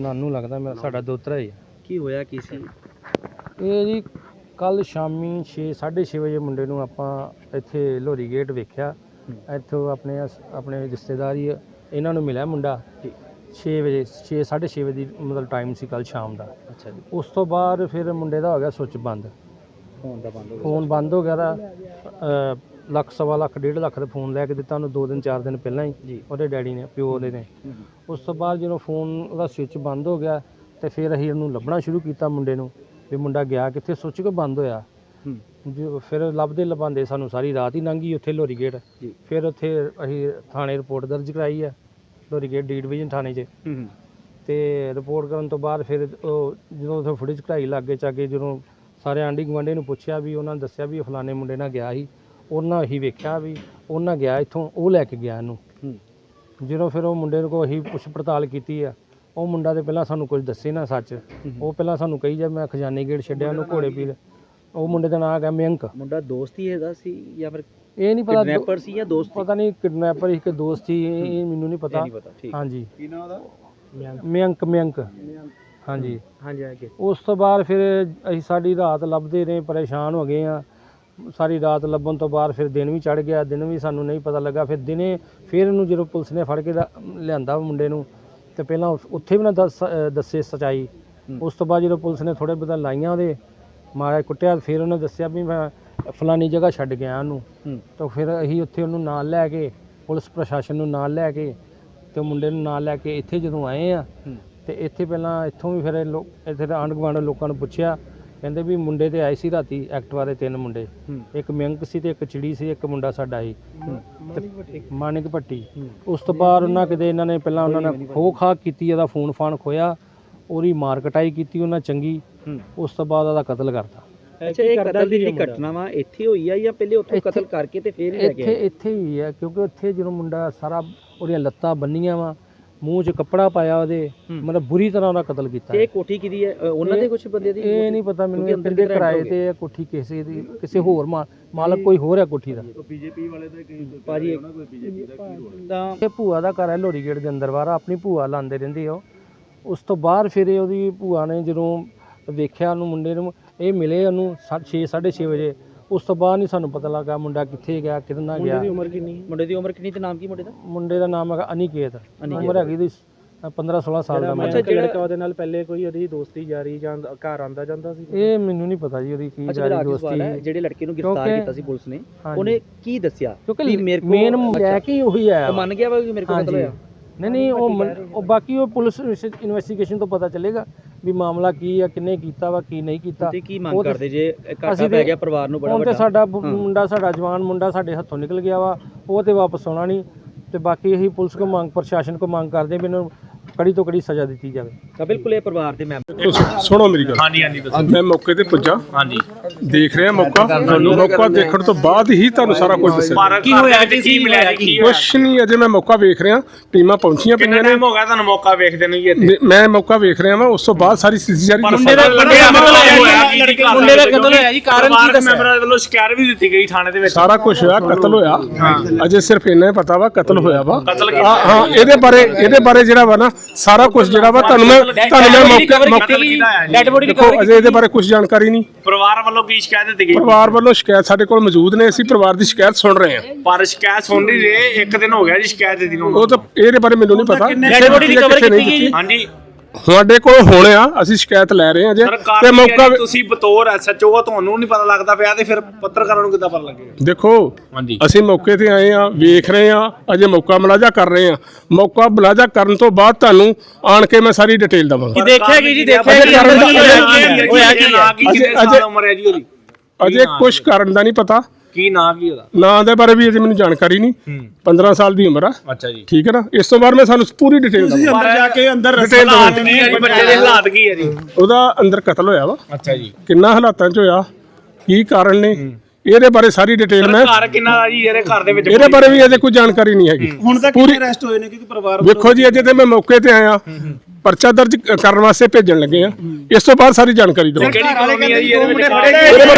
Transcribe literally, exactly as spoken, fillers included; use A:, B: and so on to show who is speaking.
A: नानू लगता मेरा साडा दोतरा ही
B: की होया की सी
A: ये जी कल शामी छे साढ़े छे बजे मुंडे नूं आपां इत्थे लोहरी गेट वेख्या इत्थों अपने अपने रिश्तेदार ही इन्हां नूं मिलिया मुंडा छे बजे छे साढ़े छे बजे मतलब टाइम सी कल शाम का।
B: अच्छा जी।
A: उस तो बाद फिर मुंडे दा हो गया सुच बंद,
B: फोन दा बंद हो गया
A: फोन बंद हो गया दा लख सवा लख डेढ़ लख का फोन लैके दिता उन्होंने दो दिन चार दिन पहला ही वो डैडी ने प्यो दे ने। उस तो बाद जो फोन का स्विच बंद हो गया तो फिर असीं उन्होंने लभना शुरू किया मुंडे नूं भी मुंडा गया कित्थे, स्विच क्यों बंद होया। जो फिर लभदे लभांदे सानूं सारी रात ही लंघ गई उत्थे लोहरी गेट। फिर उत्थे असीं थाने रिपोर्ट दर्ज कराई है लोहरी गेट डी डिवीजन थाने च ते रिपोर्ट करन तो बाद फिर जो उत्थे फुटेज कढ़ाई लागे चागे जो सारे आंढी गुआंढी नूं पुछया भी उन्होंने दस्सिया भी फलाने मुंडे नाल गया ही उन्हें असीं वेख्या भी उन्हें गया इत्थों वो लैके गया इहनूं। जो फिर वो मुंडे को असीं पुछ पड़ताल की है वो मुंडा तो पहला सानूं कुछ दस्से ना सच, वो पहला सानूं कही जाए मैं खजाने गेट छड्डिया उन्होंने घोड़े पीर। वो मुंडे का नाम है मयंक।
B: मुंडा दोस्त ही है सी या फिर
A: ये नहीं पता
B: किडनैपर सी या दोस्त
A: पता नहीं किडनैपर ही कि दोस्त सी ये मैनूं नहीं पता। हाँ जी मयंक मयंक हाँ जी
B: हाँ जी।
A: उस तो बाद फिर असीं सारी रात लभदे रहे परेशान हो गए हाँ। सारी रात लभन तो बाद फिर दिन भी चढ़ गया, दिन भी सानूं नहीं पता लगा। फिर दिने फिर इहनूं जो पुलिस ने फड़ के लिआंदा मुंडे नूं ते पहलां उत्थे भी ना दस दस्से सच्चाई। उस तो बाद जो पुलिस ने थोड़े बहुत लाइयां उहदे मारा कुट्टिया फिर उन्हें दस्सिया भी मैं फलानी जगह छड्ड गया उहनूं। तो फिर असीं उत्थे उहनूं नाल लैके पुलिस प्रशासन नूं नाल लैके ते मुंडे नूं नाल लैके इत्थे जदों आए आ ते इत्थे पहलां इत्थों भी फिर लोक इत्थे आंढ गुआंढ लोकां नूं पुछया कहंदे भी मुंडे ते आए सी राती एक्टिवा दे तीन मुंडे, एक मयंक सी ते एक चिड़ी सी, एक मुंडा साडा ही मानिक भट्टी। उस तो बाद उन्हां किते इन्हां ने पहलां उन्हां ने खो खा कीती, इहदा फोन फान खोया, ओहदी मार कटाई कीती उन्हां चंगी। उस तो बाद ਉਹਦਾ कतल करता।
B: अच्छा ये कतल दी घटना वा इत्थे होई है या पहले उत्थों कतल करके ते फिर ले गए?
A: इत्थे इत्थे ही है क्योंकि उत्थे जो मुंडा सारा ਉਹਦੀਆਂ ਲੱਤਾਂ ਬੰਨੀਆਂ ਵਾ, ਮੂੰਹ 'ਚ ਕੱਪੜਾ ਪਾਇਆ ਉਹਦੇ, ਮਤਲਬ ਬੁਰੀ ਤਰ੍ਹਾਂ ਉਹਦਾ ਕਤਲ ਕੀਤਾ।
B: ਇਹ ਕੋਠੀ ਕਿਹਦੀ ਹੈ? ਉਹਨਾਂ ਦੇ ਕੁਝ ਬੰਦੇ ਦੀ?
A: ਇਹ ਨਹੀਂ ਪਤਾ ਮੈਨੂੰ, ਕਹਿੰਦੇ ਕਿਰਾਏ ਤੇ ਹੈ ਕੋਠੀ ਕਿਸੇ ਦੀ, ਕਿਸੇ ਹੋਰ ਮਾਲਕ ਕੋਈ ਹੋਰ ਹੈ ਕੋਠੀ ਦਾ।
B: ਬੀਜੇਪੀ ਵਾਲੇ ਦਾ ਭਾਜੀ ਕੋਈ ਬੀਜੇਪੀ ਦਾ ਕੀ ਰੋਲ ਹੈ?
A: ਇਹ ਭੂਆ ਦਾ ਘਰ ਹੈ ਲੋਹਰੀ ਗੇਟ ਦੇ ਅੰਦਰ ਬਾਹਰ, ਆਪਣੀ ਭੂਆ ਲਾਉਂਦੇ ਰਹਿੰਦੇ ਉਹ। ਉਸ ਤੋਂ ਬਾਅਦ ਫਿਰ ਉਹਦੀ ਭੂਆ ਨੇ ਜਦੋਂ ਵੇਖਿਆ ਉਹਨੂੰ ਮੁੰਡੇ ਨੂੰ, ਇਹ ਮਿਲੇ ਉਹਨੂੰ ਛੇ ਸਾਢੇ ਛੇ ਵਜੇ। ਉਸ ਤੋਂ ਬਾਅਦ ਨਹੀਂ ਸਾਨੂੰ ਪਤਾ ਲੱਗਾ ਮੁੰਡਾ ਕਿੱਥੇ ਗਿਆ ਕਿਹਦੇ ਨਾਲ ਗਿਆ।
B: ਮੁੰਡੇ ਦੀ ਉਮਰ ਕਿੰਨੀ? ਮੁੰਡੇ ਦੀ ਉਮਰ ਕਿੰਨੀ ਤੇ ਨਾਮ ਕੀ ਮੁੰਡੇ ਦਾ?
A: ਮੁੰਡੇ ਦਾ ਨਾਮ ਹੈਗਾ ਅਨਿਕੇਤ, ਉਮਰ ਹੈਗੀ ਦੀ ਪੰਦਰਾਂ ਸੋਲਾਂ ਸਾਲ ਦਾ।
B: ਅੱਛਾ ਲੜਕਾ ਉਹਦੇ ਨਾਲ ਪਹਿਲੇ ਕੋਈ ਉਹਦੀ ਦੋਸਤੀ ਜਾਰੀ ਜਾਂ ਘਰ ਆਂਦਾ ਜਾਂਦਾ ਸੀ?
A: ਇਹ ਮੈਨੂੰ ਨਹੀਂ ਪਤਾ ਜੀ ਉਹਦੀ ਕੀ ਜਾਰੀ ਦੋਸਤੀ।
B: ਜਿਹੜੇ ਲੜਕੇ ਨੂੰ ਗ੍ਰਿਫਤਾਰ ਕੀਤਾ ਸੀ ਪੁਲਿਸ ਨੇ, ਉਹਨੇ ਕੀ ਦੱਸਿਆ?
A: ਕਿਉਂਕਿ ਮੇਨ ਲੈ ਕੇ ਉਹੀ ਹੈ,
B: ਉਹ ਮੰਨ ਗਿਆ ਵਾ ਕਿ ਮੇਰੇ ਕੋਲ ਕਤਲ ਹੋਇਆ।
A: नहीं नहीं वो वो बाकी वो पुलिस इन्वेस्टिगेशन तो पता चलेगा भी मामला की है, किन्ने कीता वा की नहीं कीता।
B: की मांग करदे जे घाटा पै गया परिवार नूं बड़ा
A: वड्डा? साडा मुंडा साडा जवान मुंडा साडे हत्थों निकल गया वा, वो ते वापस आउणा नहीं। ते बाकी यही पुलिस को मांग प्रशासन को मांग करदे भी इन्हां कड़ी तो कड़ी सज़ा दी जाए।
B: ਤਾਂ ਬਿਲਕੁਲ ਇਹ ਪਰਿਵਾਰ ਦੇ ਮੈਂਬਰ
C: ਸੁਣੋ ਮੇਰੀ ਗੱਲ। ਹਾਂਜੀ ਹਾਂਜੀ ਮੈਂ ਮੌਕੇ ਤੇ ਪੁੱਜਾ, ਹਾਂਜੀ ਦੇਖ ਰਿਹਾ ਮੌਕਾ, ਮੌਕਾ ਦੇਖਣ ਤੋਂ ਬਾਅਦ ਹੀ ਤੁਹਾਨੂੰ ਸਾਰਾ ਕੁਝ ਦੱਸਿਆ।
B: ਕੀ ਹੋਇਆ ਤੇ ਕੀ ਮਿਲਿਆ ਜੀ?
C: ਕੁਛ ਨਹੀਂ, ਅਜੇ ਮੈਂ ਮੌਕਾ ਵੇਖ ਰਿਹਾ, ਟੀਮਾਂ ਪਹੁੰਚੀਆਂ ਪਈਆਂ ਨੇ।
D: ਹੋ ਗਿਆ ਤੁਹਾਨੂੰ ਮੌਕਾ ਵੇਖਦੇ ਨੂੰ ਜੀ ਇੱਥੇ?
C: ਮੈਂ ਮੌਕਾ ਵੇਖ ਰਿਹਾ ਵਾਂ, ਉਸ ਤੋਂ ਬਾਅਦ ਸਾਰੀ ਸਥਿਤੀ ਜਾਰੀ
D: ਮੁੰਡੇ ਦਾ ਮੁੰਡੇ ਦਾ ਕਤਲ ਹੋਇਆ ਜੀ, ਕਾਰਨ ਕੀ ਦੱਸਿਆ? ਮੈਂਬਰਾਂ ਵੱਲੋਂ ਸ਼ਿਕਾਇਤ ਵੀ ਦਿੱਤੀ ਗਈ ਥਾਣੇ ਦੇ ਵਿੱਚ।
C: ਸਾਰਾ ਕੁਝ ਹੋਇਆ, ਕਤਲ ਹੋਇਆ। ਅਜੇ ਸਿਰਫ ਇੰਨਾ ਹੀ ਪਤਾ ਵਾ ਕਤਲ ਹੋਇਆ ਵਾ। ਹਾਂ ਇਹਦੇ ਬਾਰੇ ਇਹਦੇ ਬਾਰੇ ਜਿਹੜਾ ਵਾ ਨਾ ਸਾਰਾ ਕੁਝ ਜਿਹੜਾ ਵਾ ਤੁਹਾਨੂੰ ਮੈਂ ਤੁਹਾਨੂੰ ਮੈਂ ਮੌਕੇ
D: ਡੈਡ ਬੋਡੀ
C: ਦੇਖੋ ਅਜੇ ਇਹਦੇ ਬਾਰੇ ਕੁਝ ਜਾਣਕਾਰੀ ਨਹੀਂ।
D: ਪਰਿਵਾਰ ਵੱਲੋਂ ਕੀ ਸ਼ਿਕਾਇਤ ਦਿੱਤੀ ਗਈ?
C: ਪਰਿਵਾਰ ਵੱਲੋਂ ਸ਼ਿਕਾਇਤ ਸਾਡੇ ਕੋਲ ਮੌਜੂਦ ਨੇ, ਅਸੀਂ ਪਰਿਵਾਰ ਦੀ ਸ਼ਿਕਾਇਤ ਸੁਣ ਰਹੇ ਹਾਂ।
D: ਪਰ ਸ਼ਿਕਾਇਤ ਸੁਣ ਨਹੀਂ ਰਹੇ, ਇੱਕ ਦਿਨ ਹੋ ਗਿਆ ਜੀ ਸ਼ਿਕਾਇਤ ਦਿੱਤੀ ਨੂੰ।
C: ਉਹ ਤਾਂ ਇਹਦੇ ਬਾਰੇ ਮੈਨੂੰ ਨਹੀਂ ਪਤਾ।
D: ਡੈਡ ਬੋਡੀ ਰਿਕਵਰ ਕੀਤੀ ਗਈ? ਹਾਂਜੀ
C: ਸਾਡੇ ਕੋਲ ਹੁਣ ਆ, ਅਸੀਂ ਸ਼ਿਕਾਇਤ ਲੈ ਰਹੇ ਹਾਂ ਜੇ
D: ਤੇ ਮੌਕਾ ਤੁਸੀਂ ਬਤੌਰ ਐਸਐਚਓ ਤੁਹਾਨੂੰ ਨਹੀਂ ਪਤਾ ਲੱਗਦਾ ਪਿਆ ਤੇ ਫਿਰ ਪੱਤਰਕਾਰਾਂ ਨੂੰ ਕਿੱਦਾਂ ਪਤਾ ਲੱਗੇਗਾ?
C: ਦੇਖੋ ਅਸੀਂ ਮੌਕੇ ਤੇ ਆਏ ਆ, ਵੇਖ ਰਹੇ ਆ, ਅਜੇ ਮੌਕਾ ਮੁਲਾਜ਼ਾ ਕਰ ਰਹੇ ਆ। ਮੌਕਾ ਮੁਲਾਜ਼ਾ ਕਰਨ ਤੋਂ ਬਾਅਦ ਤੁਹਾਨੂੰ ਆਣ ਕੇ ਮੈਂ ਸਾਰੀ ਡਿਟੇਲ ਦਵਾਂਗਾ।
B: ਦੇਖਿਆ ਕੀ ਜੀ? ਦੇਖਿਆ ਕੀ ਹੋਇਆ? ਕੀ
D: ਨਾ ਕੀ ਕਿੰਨੇ ਸਾਲ ਉਮਰ ਹੈ ਜੀ ਉਹਦੀ?
C: ਅਜੇ ਕੁਝ ਕਾਰਨ ਦਾ ਨਹੀਂ ਪਤਾ।
D: ਕੀ ਨਾਂ ਕੀ ਉਹਦਾ?
C: ਨਾਂ ਦੇ ਬਾਰੇ ਵੀ ਅਜੇ ਮੈਨੂੰ ਜਾਣਕਾਰੀ ਨਹੀਂ। ਪੰਦਰਾਂ ਸਾਲ ਦੀ ਉਮਰ ਆ।
D: ਅੱਛਾ ਜੀ
C: ਠੀਕ ਹੈ ਨਾ। ਇਸ ਤੋਂ ਬਾਅਦ ਮੈਂ ਸਾਨੂੰ ਪੂਰੀ ਡਿਟੇਲ ਦਵਾਂਗਾ।
D: ਅੰਦਰ ਜਾ ਕੇ ਅੰਦਰ ਹਾਲਾਤ ਨਹੀਂ ਹੈ ਜੀ, ਬੱਚੇ ਦੇ ਹਾਲਾਤ ਕੀ ਹੈ ਜੀ?
C: ਉਹਦਾ ਅੰਦਰ ਕਤਲ ਹੋਇਆ ਵਾ।
D: ਅੱਛਾ ਜੀ।
C: ਕਿੰਨਾ ਹਾਲਾਤਾਂ 'ਚ ਹੋਇਆ, ਕੀ ਕਾਰਨ ਨੇ, ਇਹਦੇ ਬਾਰੇ ਸਾਰੀ ਡਿਟੇਲ ਮੈਂ
D: ਘਰ ਕਿੰਨਾ ਦਾ ਜੀ ਇਹਦੇ ਘਰ ਦੇ ਵਿੱਚ?
C: ਇਹਦੇ ਬਾਰੇ ਵੀ ਅਜੇ ਕੋਈ ਜਾਣਕਾਰੀ ਨਹੀਂ ਹੈਗੀ।
D: ਹੁਣ ਤੱਕ ਕਿੰਨੇ ਅਰੈਸਟ ਹੋਏ ਨੇ? ਕਿਉਂਕਿ ਪਰਿਵਾਰ
C: ਵੇਖੋ ਜੀ ਅਜੇ ਤੇ ਮੈਂ ਮੌਕੇ ਤੇ ਆਇਆ, ਪਰਚਾ ਦਰਜ ਕਰਨ ਵਾਸਤੇ ਭੇਜਣ ਲੱਗੇ ਆ। ਇਸ ਤੋਂ ਬਾਅਦ ਸਾਰੀ ਜਾਣਕਾਰੀ ਦਵਾਂਗਾ।
D: ਕਿਹੜੀ ਕਲੋਨੀ ਹੈ ਜੀ ਇਹਦੇ ਵਿੱਚ?